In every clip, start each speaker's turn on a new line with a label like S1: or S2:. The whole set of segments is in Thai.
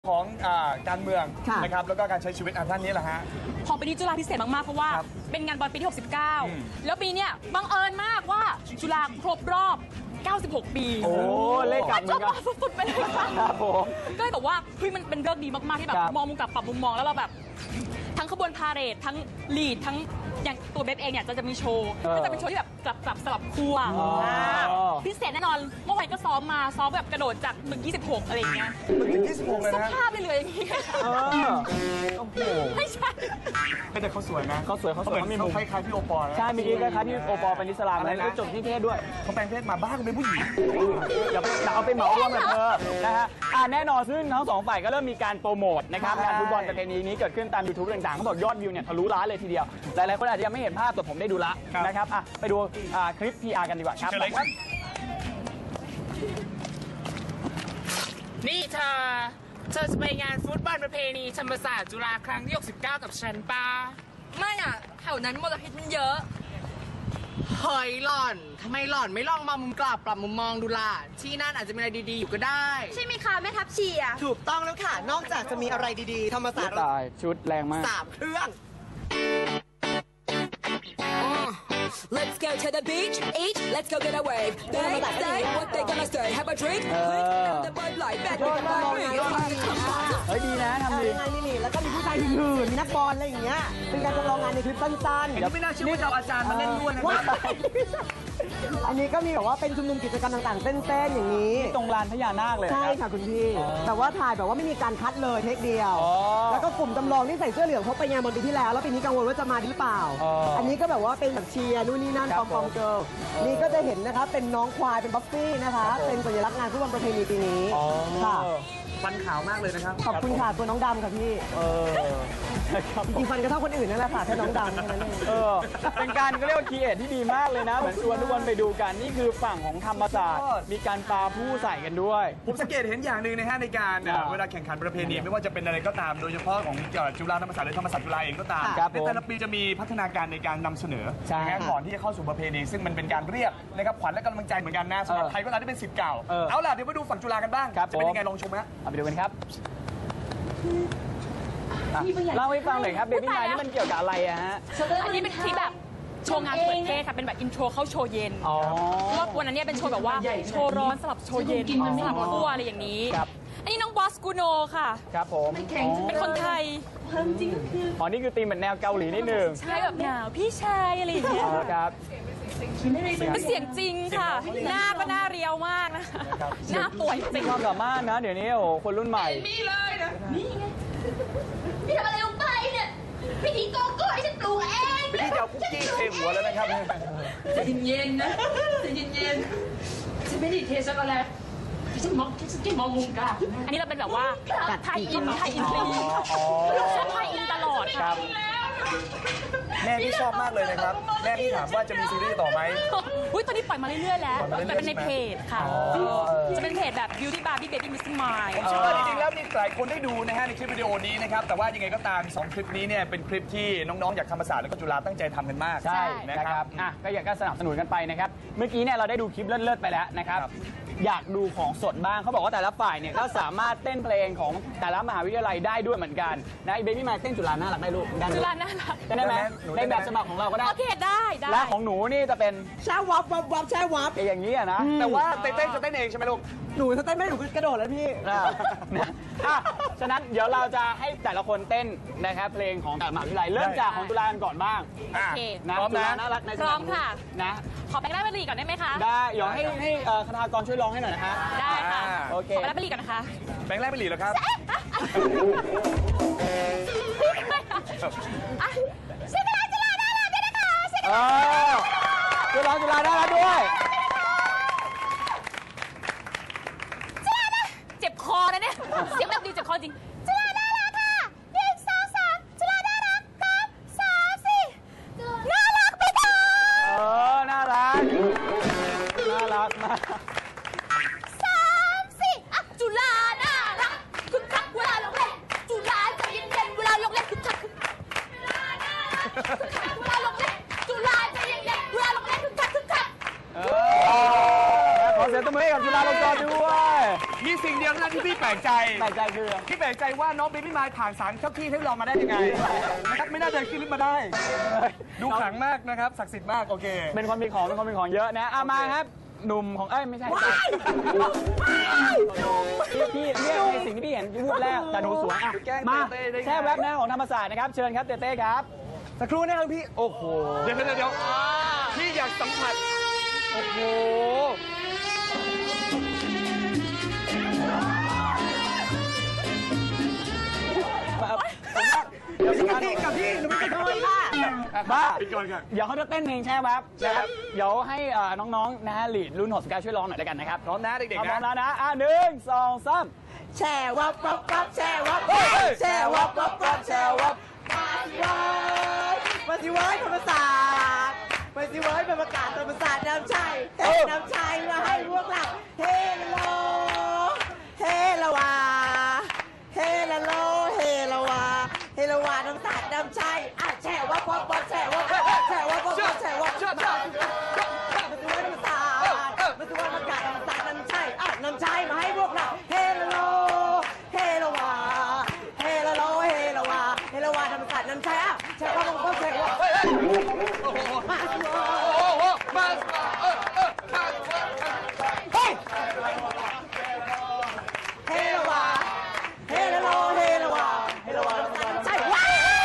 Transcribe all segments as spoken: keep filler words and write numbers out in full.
S1: ของการเมืองนะครับแล้วก็การใช้ชีวิตท่านนี้แหละฮะ
S2: ของปีนี้จุฬาพิเศษมากๆเพราะว่าเป็นงานบอลปีที่หกสิบเก้าแล้วปีนี้บังเอิญมากว่าจุฬาครบรอบเก้าสิบหกปี
S3: โอ้เลขกลับเหมือนกัน
S2: สุดๆไปเลยค่ะ
S3: ครับผม
S2: ก็เลยบอกว่าเฮ้ยมันเป็นเรื่องดีมากๆที่แบบมองมุมกลับปรับมุมมองแล้วเราแบบทั้งขบวนพาเหรดทั้งลีดทั้งอย่างตัวเบฟเองเนี่ยจะจะมีโชว์ก็จะเป็นโชว์ที่แบบกลับกลับสลับคู่พิเศษแน่นอนเมื่อวานก็ซ้อมมาซ้อมแบบกระโดดจากตึกยี่สิบหกอะไรอย่างเงี้ย
S1: ตึกยี่สิบหกเลยนะ
S2: สภาพเลยเลยอย่างงี้
S3: โอ้โห
S2: ไม่ใช่
S1: แต่เขาสวยนะ
S3: เขาสวยเขาสวย
S1: เขามีมุมคล้ายๆพี่โอปอล์
S3: ใช่มีคล้ายๆพี่โอปอล์เป็นอิสลามแล้วก็จบที่เทศด้วย
S1: เขาแปลงเพศมาบ้างเป็นผู้หญิง
S3: อย่าเอาไปเหมารวมกับเธอนะฮะแน่นอนซึ่งทั้งสองฝ่ายก็เริ่มมีการโปรโมทนะครับงานฟุตบอลประเพณีนี้เกิดขึ้นตามยูทูบต่างๆเขาบอกยอดวิวเนี่ยทะลุล้านเลยทีเดียวหลายๆคนอาจจะยังไม่เห็นภาพแต่ผมได้ดูละนะครับไปดูคลิป พี อาร์ กันดีกว่าครับ
S4: นี่เธอเธอจะไปงานฟุตบอลประเพณีธรรมศาสตร์จุฬาครั้งที่หกสิบเก้ากับฉันปะ
S2: ไม่อ่ะแถวนั้นมลพิษมันเยอะ
S4: เฮ้ยหล่อนทำไมหล่อนไม่ลองมามุมกลับปรับมุมมองดูล่ะที่นั่นอาจจะมีอะไรดีๆอยู่ก็ได้
S2: ใช่ไหมคะแม่ทัพเชียร์
S5: ถูกต้องแล้วค่ะนอกจากจะมีอะไรดีๆธรรมศาสตร์
S3: ตายชุดแรงมาก
S5: สามเครื่อง
S6: Let's go to the beach, eat, let's go get a wave. They say what they gonna say, have a drink, click down the bud light, bad with the bud ring.
S3: เฮ้ยดีนะทำดี
S5: งานนี่นี่แล้วก็มีผู้ชายหื่นมีนักบอลอะไรอย่างเงี้ยเป็นการจำลองงานในคลิปสั้นๆ
S1: เดี๋ยวไม่น่าเชื่อว่าจะเอาอาจารย์มาเล่นด้วยนะครับ
S5: อันนี้ก็มีแบบว่าเป็นชุมนุมกิจกรรมต่างๆเต้นๆอย่างนี้
S3: ตรงลานพญานาคเลย
S5: ใช่ค่ะคุณพี่แต่ว่าถ่ายแบบว่าไม่มีการคัดเลยเทคเดียวแล้วก็กลุ่มจำลองที่ใส่เสื้อเหลืองเขาไปงานบอลปีที่แล้วแล้วปีนี้กังวลว่าจะมาหรือเปล่าอันนี้ก็แบบว่าเป็นแบบเชียร์นู่นนี่นั่นปอมปอมเกิร์ลนี่ก็จะเห็นนะคะเป็นน้องควายเป็นบัฟฟี่นะคะเป็นสัญลักษณ์งานฟุตบอลประเพณีปีนี้ค่ะ
S1: ฟันขาวมากเลยนะครับ
S5: ขอบคุณค่ะตัวน้องดำค่ะพี่จริงฟันก็เท่าคนอื่นนั่นแหละค่ะแค่น้องดำแค่นั้นเอง
S3: เออเป็นการก็เรียกว่าคีเอทที่ดีมากเลยนะเหมือนชวนทุกคนไปดูกันนี่คือฝั่งของธรรมศาสตร์มีการปาผู้ใส่กันด้วย
S1: ผมสังเกตเห็นอย่างหนึ่งนะฮะในการเวลาแข่งขันประเพณีไม่ว่าจะเป็นอะไรก็ตามโดยเฉพาะของจุฬาธรรมศาสตร์หรือธรรมศาสตร์จุฬาเองก็ตามในแต่ละปีจะมีพัฒนาการในการนำเสนอก่อนที่จะเข้าสู่ประเพณีซึ่งมันเป็นการเรียกนะครับขวัญและกำลังใจเหมือนกันนะสำหรับใครก็ตามที่เป็นศิษย์เก่าเอาล่ะเดี๋ยวมาดูฝั่งจุฬากันบ้างจะเป็นยังไงลองชมฮะ
S3: เอาไปดูกันครับเล่าให้ฟังหน่อยครับเบบี้ไนท์นี่มันเกี่ยวกับอะไรอะฮะ
S2: อันนี้เป็นคลิปแบบโชว์งานเปิดเทศค่ะเป็นแบบอินโทรเข้าโชว์เย็นรอบวันนั้นเนี่ยเป็นโชว์แบบว่าโชว์ร้อนสลับโชว์เย็นสลับคั่วอะไรอย่างนี้อันนี้น้องบอสกูโนค่ะ
S3: ครับผม
S2: เป็นคนไทย
S3: อ๋อนี่คือธีมเหมือนแนวเกาหลีนิดนึง
S2: ใช่แบบหนาวพี่ชายอะไรอย่างเงี้ย
S3: ครับ
S2: เป็นเสียงจริงค่ะหน้าก็หน้าเรียวมากนะหน้าป่วยจริง
S3: ความสามารถนะเดี๋ยวนี้โอ้คนรุ่นใหม่
S2: นี่เลยนะนี่ไงพี่ทำอะไรลงไปเนี่ยพี่ทิ้งโกโก้ให้ฉันปลูกเอง
S1: พี่จะเอาคุกกี้เทหัวแล้วนะครับ
S2: ใจเย็นๆนะใจเย็นๆฉันไม่ได้เทช็อกโกแลตฉันมองฉันแค่มองมุมกันอันนี้เราเป็นแบบว่าไทยอินไทยอินทรีชอบไทยอินตลอดครับ
S1: แม่พี่ชอบมากเลยนะครับแม่พี่ถามว่าจะมีซีรีส์ต่อไหม
S2: อุ้ยตอนนี้ปล่อยมาเรื่อยๆแล้วแต่เป็นในเพจค่ะจะเป็นเพจแบบ Beauty Barbie Baby Missing Mine
S1: ผมเชื่อว่าจริงๆแล้วมีหลายคนได้ดูนะฮะในคลิปวิดีโอนี้นะครับแต่ว่ายังไงก็ตามสองคลิปนี้เนี่ยเป็นคลิปที่น้องๆจากธรรมศาสตร์และก็จุฬาตั้งใจทำกันมาก
S3: ใช่นะครับอ่ะก็อยากก็สนับสนุนกันไปนะครับเมื่อกี้เนี่ยเราได้ดูคลิปเลิศๆไปแล้วนะครับอยากดูของสดบ้างเขาบอกว่าแต่ละฝ่ายเนี่ยก็สามารถเต้นเพลงของแต่ละมหาวิทยาลัยได้ด้วยเหมือนกันนะเบบี้มาเต้นจุฬาน่ารักได้ลูก
S2: จุฬาน่ารัก
S3: ได้ไหมในแบบฉบับของเราก็ได้
S2: โอเคได้ได้
S3: และของหนูนี่จะเป็น
S5: แช่วับวับวับแช่วับ
S3: อย่างนี้อะนะ
S1: แต่ว่าเต้นจะเต้นเองใช่ไหมลูก
S5: หนูจะเต้นไม่หนูกระโดดแล้วพี่
S3: อ่ะฉะนั้นเดี๋ยวเราจะให้แต่ละคนเต้นนะครับเพลงของแต่ละมหาวิทยาลัยเริ่มจากของจุฬากันก่อนบ้าง
S2: โอเค
S3: นะจุฬาน่ารักใน
S2: พร้อมค่ะ
S3: นะ
S2: ขอแบงค์แรกไปรีก่อนได้ไหมคะ
S3: ได้เดี๋ยวให้ให้คณากรช่วยร้องให้หน่อยนะฮะ
S2: ได้ค่ะโอเคขอแบงค์แรกไปรีก่อนนะคะ
S1: แบงค์แรกไปรีเหรอครับ
S2: ใช่ไหมจุฬาน่ารักด้วยนะคะใช่ไหม
S3: จุฬาจุฬาน่ารักด้วย
S2: จุฬานะเจ็บคอนะเนี่ยเสียงแบบดีเจ็บคอจริงจุฬาน่ารักค่ะหนึ่งสองสามจุฬาน่ารักครับสามสี่น่ารักไปต่อ
S3: เออน่ารักน่ารักมาก
S2: สามสี่อ่ะจุฬาน่ารักคึกคักเวลาลงเล่นจุฬาใจเย็นๆเวลาลงเล่นคึกคักเวลาน่ารักคึกคักเวลาลงเล่นจุฬาใจเย็นๆเวลาลงเล่นคึกคักคึกคัก
S3: ขอเสียงตบมือให้กับจุฬาลงกรณ์ด้วย
S1: มีสิ่งเดียวเท่านั้นที่พี่แปลกใจ
S3: แปลกใจคือ
S1: พี่แปลกใจว่าน้องเบบี้มายผ่านสารเจ้าที่ให้เรามาได้ยังไงนะครับไม่น่าจะขึ้นลิฟต์มาได้ ดูขลังมากนะครับศักดิ์สิทธิ์มากโอเค
S3: เป็นคนมีของเป็นคนมีของเยอะนะอ่ะมาครับหนุ่มของเอ้ยไม่ใช่พี่พี่เนี่ยในสิ่งที่พี่เห็นพูดแรกแต่หนูสวยอ่ะมาแช่แว็บหน้าของธรรมศาสตร์นะครับเชิญครับเต้เต้ครับ
S5: สักครู่นะครับพี่
S3: โอ้โห
S1: เดี๋ยวเดี๋ยวเดี๋ยวพี่อยากสัมผัสโอ้โห
S3: เดี๋ยว
S5: กับพี่กับพี่หนูไม่เคยค่ะ
S3: บ้า
S1: ปิดก่อนค่ะ
S3: เดี๋ยวเขาจะเต้นเพลงแช่แว็บนะครับเดี๋ยวให้น้องๆนะฮะลีดรุ่นหกสิบเก้าช่วยร้องหน่อยแล้วกันนะครับ
S1: พร้อมนะเด็ก
S3: พร้อ
S1: ๆนะ
S3: มแล้วนะอ่ะหนึ่งสองสาม
S5: แช่วับวับวับแช่วับ
S3: เฮ้ย
S5: แช่วับวับวับแช่วับมาสิเว้ยธรรมศาสตร์มาสิเว้ยเป็นประกาศธรรมศาสตร์น้ำชัยเฮ้น้ำชัยมาให้พวกเราเฮโลเฮละวาเฮละโลเฮละวาเฮละวาน้ำศาสตร์น้ำชัยอ่ะแช่วับวับวับแช่วับวับแช่วับวับวับแช่วับวับมาสิเว้ยธรรมศาสตร์มาสิเว้ยประกาศธรรมศาสตร์น้ำชัยอ่ะน้ำชัยมาให้พวกเราเฮละโลเฮละวาเฮละโลเฮละวาเฮละวาธรรมศาสตร์น้ำชัยอ่ะแช่วับวับวับแช่วับมาสิเว้ย
S1: โอ้โหมาเออเออมา
S5: เฮ้ยเฮละวาเฮละโลเฮละวาเฮละวาใช่ว้า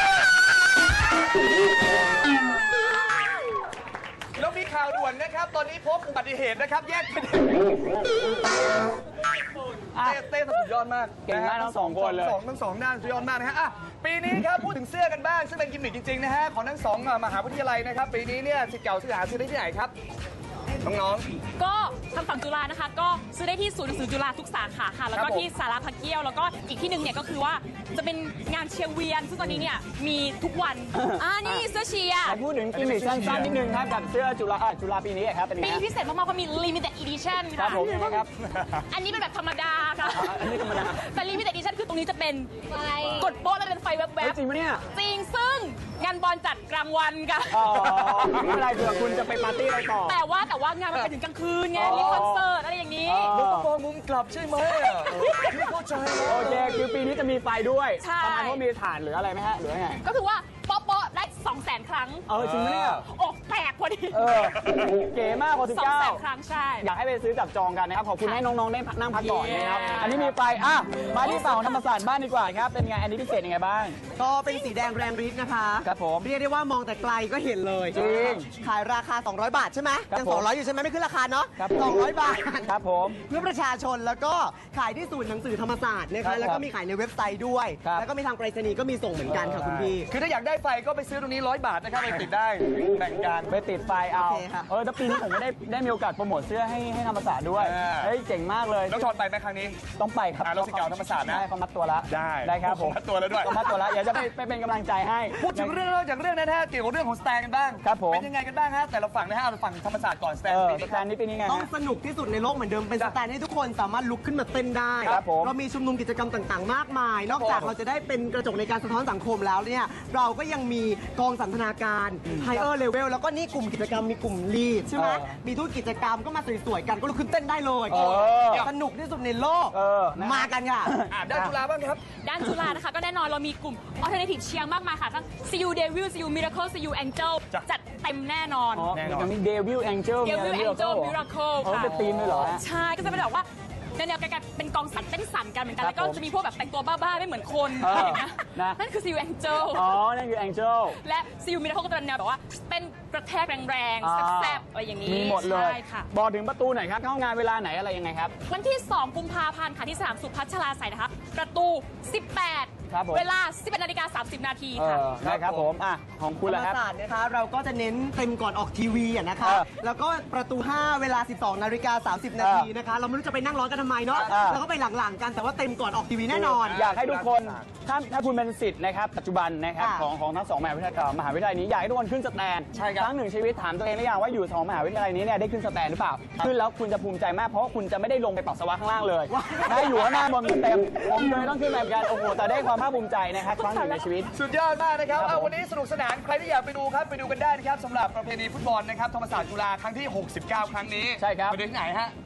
S1: แล้วมีข่าวด่วนนะครับ ตอนนี้พบอุบัติเหตุนะครับ แยกเป็นเต้เต้สุดยอดมาก
S3: เก่งมากทั้งสองคนเลย
S1: สองทั้งสองด้านสุดยอดมากนะฮะอ่ะปีนี้ครับพูดถึงเสื้อกันบ้างซึ่งเป็นกิมมิคจริงๆนะฮะของทั้งสองมหาวิทยาลัยนะครับปีนี้เนี่ยศิษย์เก่าศิษย์หาซื้อได้ที่ไหนครับน้อง
S2: ก็ทางฝั่งจุฬานะคะ ก็ซื้อได้ที่ศูนย์หนังสือจุฬาทุกสาขาค่ะ แล้วก็ที่สาราพระเกี้ยว แล้วก็อีกที่หนึ่งเนี่ยก็คือว่าจะเป็นงานเชียร์เวียน ซึ่งตอนนี้เนี่ยมีทุกวันอ่านี่เสื้อเชียร์
S3: แต่พูดถึงกิมมิคสั้นๆนิดนึงครับกับเสื้อจุฬาอ่ะจุฬาปีนี้ครับเป็นยัง
S2: ปี
S3: ไง
S2: นี้พิเศษมากๆเพราะมี limited edition
S3: ครั
S2: ค่ะ
S3: บผมยังไงครับ
S2: อันนี้เป็นแบบธรรมดาค่ะ
S3: อันนี้ธรรมดา
S2: แต่ limited edition คือตรงนี้จะเป็นกดโป๊ะแล้วเป็นไฟแว
S3: เฮ้ย
S2: บ
S3: จริงปะเนี่ย
S2: ๆจริงซึ่งงานบอลจัดกลางวันค่ะ
S3: อ๋อไม่เป็นไรเผื่อคุณจะไปปาร์ตี้อะไรต่อ
S2: แต่ว่าแต่ว่างานมันไปถึงกลางคืนไง มีคอนเสิร์ตอะไรอย่างนี้
S3: อ๋อ
S1: ๆมองมุมกลับใช่ไหมอ่ะพี่เข้าใจ
S3: โอเคคือปีนี้จะมีไฟด้วย
S2: ใช่
S3: ประมาณว่ามีถ่านหรืออะไรไหมฮะหรือว่าไง
S2: ก็คือว่าโป๊ะโป๊ะได้สองแสนครั้ง
S3: เออจริงปะเนี่ย
S2: อกแตกพอดี
S3: เออเก๋มากกว่าสิบ
S2: สอง
S3: เก้า
S2: แสนครั้งใช่
S3: อยากให้ไปซื้อจับจองกันนะครับ ขอบคุณให้น้องๆได้นั่งพักก่อนนะครับ อันนี้มีไฟอ่ะมาที่ฝั่งธรรมศาสตร์บ้านดีกว่าครับ เป็นไง อันนี้พิเศษยังไงบ้าง
S5: ก็เป็นสีแดงแรงฤทธิ์นะคะ
S3: ครับผม
S5: เรียกได้ว่ามองแต่ไกลก็เห็นเลย
S3: จริง
S5: ขายราคา สองร้อย บาทใช่ไหม
S3: ครับ
S5: ยัง
S3: ผม
S5: สองร้อยอยู่ใช่ไหมไม่ขึ้นราคาเนาะ
S3: ครับผม
S5: สองร้อย บาท
S3: ครับผม
S5: เพื่อประชาชนแล้วก็ขายที่ศูนย์หนังสือธรรมศาสตร์นะ
S3: ครั
S5: คะ
S3: บ
S5: แล้วก็มีขายในเว็บไซต์ด้วย
S3: ครับ
S5: แล้วก็มีทางไปรษณีย์ก็มีส่งเหมือนกันค่ะคุณพี่
S1: คือถ้าอยากได้ไฟก็ไปซื้อตรงนี้ร้อยบาทนะครับไปติดได้แบ่งกัน
S3: ไปติดไฟเอา
S5: โอเคค่ะ
S3: เออแต่ปีนี้ผมไม่ได้ได้มีโอกาสโปรโมทเสื้อให้ให้ธรรมศาสตร์ด้วย
S1: อ่า
S3: เฮ้ยเจ๋งมากเลย
S1: น้องชอนไปไหมครั้งนี้
S3: ต้องไปครับ
S1: อ่าเราศิษย์เก่าธรรมศาสตร์นะ
S3: ได้เขามัดตัวแล้ว
S1: ได้
S3: ได้ครับผม
S1: มัดตัวแล้วด้วย
S3: เขามัดตัวแล้วอยากจะไปไปเป็นกำลังใจให้
S1: พูดถึงเรื่องนอกจากเรื่องนั้นนะฮะเกี่ยวกับเรื่องของสแตนกันบ้าง
S3: ครับผม
S1: เป็นยังไงกันบ้างฮะแต่ละฝั่งนะฮะเอาฝั่งธรรมศาสตร์ก่อนสแตน
S3: เออ
S1: ปี
S3: ส
S1: นี้
S3: แตนนี้ปีนี้ไง
S5: ต้อง
S3: ฮะ
S5: สนุกที่สุดในโลกเหมือนเดิมเป็นสแตนให้ทุกคนสามารถลุกขึ้นมาเต้นได้
S3: ครับผม
S5: เรามีชุมนุมกิจกรรมต่างๆ มากมาย นอกจากเราจะได้เป็นกระจกในการสะท้อนสังคมแล้วเนี่ยเราก็ยังมีกองสันทนาการไฮเออร์เลเวลแล้วก็นี่กลุ่มกิจกรรมมีกลุ่มลีดใช่ไหม
S3: เออ
S5: มีทุกกิจกรรมก็มาสวยๆกันก็ลุกขึ้นเต้นได้เลย
S3: เออ
S5: สนุกที่สุดในโลก
S3: เออนะ
S5: มากันค่ะ
S1: อ่ะด้านจุฬาบ้างครับ
S2: ด้านจุฬานะคะก็แน่นอนเรามีกลุ่ม alternative เชียร์มากมายค่ะ ทั้ง ซี ยู Devil ซี ยู Miracle ซี ยู Angel
S1: จ้ะ
S2: จัดเต็มแน่นอน
S3: อ๋อ
S1: แน่นอน
S3: ยังมีเดวิลแองเจิล
S2: Devil Angel Miracle
S3: เขา
S2: ค่ะ
S3: เป็นธีมเลยเหรอฮะ
S2: ใช่ ก็จะเป็นแบบว่าแนวๆกันเป็นกองสันเต้นสันกันเหมือนกัน
S3: ครับ
S2: แล้วก็จะมีพวกแบบแต่งตัวบ้าๆ ไม่เหมือนคน
S3: เออ
S2: อะไรอย่างเงี้ย
S3: นะ
S2: นั่นคือ ซี ยู Angel
S3: อ๋อ นั่นคือแองเจิล
S2: และ ซี ยู Miracle ก็จะเป็นแนวแบบว่าเต้นกระแทกแรงๆแซ่บๆอะไรอย่างนี้
S3: มีหมดเลย
S2: ใช่ค่ะ
S3: บอกถึงประตูหน่อยครับ เข้างานเวลาไหนอะไรยังไงครับ
S2: วันที่ สองกุมภาพันธ์ค่ะที่สนามสุพัชราไสยนะคะ ประตู สิบแปด
S3: ครับผม
S2: เวลา สิบเอ็ดนาฬิกาสามสิบนาที
S3: เอ
S2: ค่ะ
S3: อได้ครับผม อ่ะ ของคุณ
S5: ธร
S3: ละ
S5: รม
S3: ครับ
S5: ศาสตร์นะคะเราก็จะเน้นเต็มก่อนออกทีวีอะนะคะ
S3: เออ
S5: แล้วก็ประตู ห้า เวลา สิบสองนาฬิกาสามสิบนาทีนะคะ เราไม่รู้จะไปนั่งร้อนกันทำไมเนาะ
S3: เออ
S5: แล้วก็ไปหลังๆกันแต่ว่าเต็มก่อนออกทีวีแน่นอน
S3: อยากให้ทุกคน ถ้าถ้าคุณเป็นสิทธิ์นะครับ ปัจจุบันนะครับ
S5: ค่ะ
S3: ของของทั้งสองมหาวิทยาลัยมหาวิทยาลัยนี้ อยากให้ทุกคนขึ้นสแตน
S1: ใช่ครับ
S3: ครั้งหนึ่งชีวิตถามตัวเองหรือยังว่าอยู่สองมหาวิทยาลัยนี้เนี่ยได้ขึ้นสแตนหรือเปล่า ขึ้นแล้วคุณจะภูมิใจมาก เพราะว่าคุณจะไม่ได้ลงไปปัสสาวะข้างล่างเลยได้อยู่ข้างหน้าบนเต็มผมเลยต้องขึ้นแบบกัน โอ้โห แต่ได้ความภาคภูมิใจนะครับครั้งหนึ่งในชีวิต
S1: สุดยอดมากนะครับ
S3: ครับ
S1: เอา
S3: ผม
S1: วันนี้สนุกสนาน ใครที่อยากไปดูครับ ไปดูกันได้นะครับสำหรับประเพณีฟุตบอลนะครับ ธรรมศาสตร์จุฬาครั้งที่ หกสิบเก้า ครั้งนี้
S3: ใช่ครับ
S1: ไปดูที่ไหนฮะ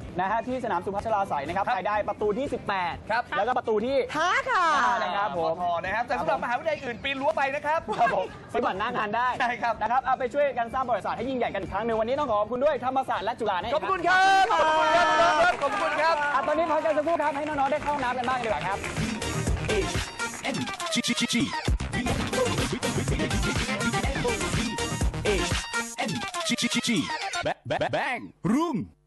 S3: นะฮะที่สนามสุพัชราไสยนะครับ
S1: ครับ
S3: ไปได้ประตูที่ สิบแปด
S1: ครับ
S3: แล้วก็ประตูที่
S5: ท้าค่ะ
S3: นะครับผม
S1: พอนะครับแต่สำหรับมหาวิทยาลัยอื่นปีนรั้วไปนะครับ
S3: ครับผมซื้อบัตรหน้างานได้
S1: ใช่ครับ
S3: นะครับเอาไปช่วยกันสร้างประวัติศาสตร์ให้ยิ่งใหญ่กันอีกครั้งหนึ่งวันนี้ต้องขอบคุณด้วยธรรมศาสตร์และจุฬาเนี่ย
S1: ขอบคุณครับขอบคุณครับน้องครับขอบคุณครับ
S3: อ่ะตอนนี้พักกันสักครู่ครับให้น้องๆได้เข้าน้ำกันบ้างดีกว่าครับ
S7: N G G G G H N G G G G Bang Bang Bang Room